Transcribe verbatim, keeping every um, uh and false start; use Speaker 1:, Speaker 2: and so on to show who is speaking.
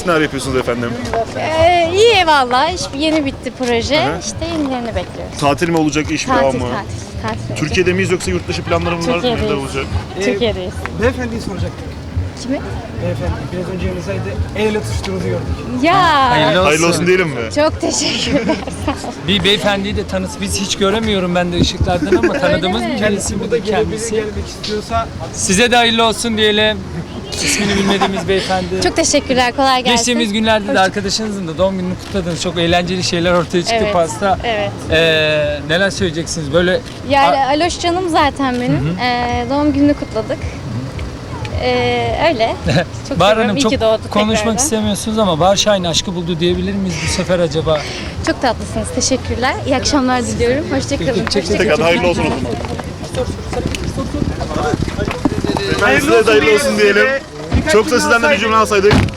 Speaker 1: için neler yapıyorsunuz efendim?
Speaker 2: Ee, iyi valla. İş yeni bitti proje.
Speaker 1: Hı hı.
Speaker 2: İşte yenilerini bekliyoruz.
Speaker 1: Tatil mi olacak, iş mi,
Speaker 2: Tatil,
Speaker 1: devam
Speaker 2: tatil,
Speaker 1: mı?
Speaker 2: tatil. tatil.
Speaker 1: Türkiye'de miyiz yoksa yurt dışı planlarımız var mı?
Speaker 2: Türkiye'deyiz.
Speaker 1: Neler olacak?
Speaker 2: Türkiye'deyiz.
Speaker 3: Beyefendiyi soracaktım.
Speaker 2: Kimi?
Speaker 3: Beyefendi biraz önce yanınızdaydı. El ele tutuştuğunuzu gördük.
Speaker 2: Ya.
Speaker 4: Hayırlı
Speaker 1: Hayırlı olsun diyelim mi?
Speaker 2: Çok teşekkürler.
Speaker 4: Bir beyefendiyi de tanıt. Biz hiç göremiyorum ben de ışıklardan ama tanıdığımız
Speaker 2: mi?
Speaker 4: bir
Speaker 3: Kendisi
Speaker 4: birisi
Speaker 3: burada
Speaker 4: burada
Speaker 3: gelebilir,
Speaker 4: kendisi.
Speaker 3: gelmek istiyorsa
Speaker 4: Size de hayırlı olsun diyelim. İsmini bilmediğimiz beyefendi.
Speaker 2: Çok teşekkürler. Kolay gelsin.
Speaker 4: Geçtiğimiz günlerde de arkadaşınızın da doğum gününü kutladınız. Çok eğlenceli şeyler ortaya çıktı
Speaker 2: Evet,
Speaker 4: pasta.
Speaker 2: evet.
Speaker 4: Ee, neler söyleyeceksiniz? Böyle
Speaker 2: Yani Aloş canım zaten benim. Ee, doğum gününü kutladık. Ee, öyle. Çok
Speaker 4: Bahar
Speaker 2: seviyorum.
Speaker 4: Hanım
Speaker 2: İyi
Speaker 4: çok
Speaker 2: ki doğdu
Speaker 4: konuşmak
Speaker 2: tekrardan.
Speaker 4: istemiyorsunuz ama Bahar Şahin aşkı buldu diyebilir miyiz bu sefer acaba?
Speaker 2: Çok tatlısınız. Teşekkürler. İyi akşamlar diliyorum. Hoşçakalın.
Speaker 1: Tekrar hayırlı olsun o zaman. Efendim size de hayırlı olsun diyelim. Çok da sizden de bir cümle alsaydık.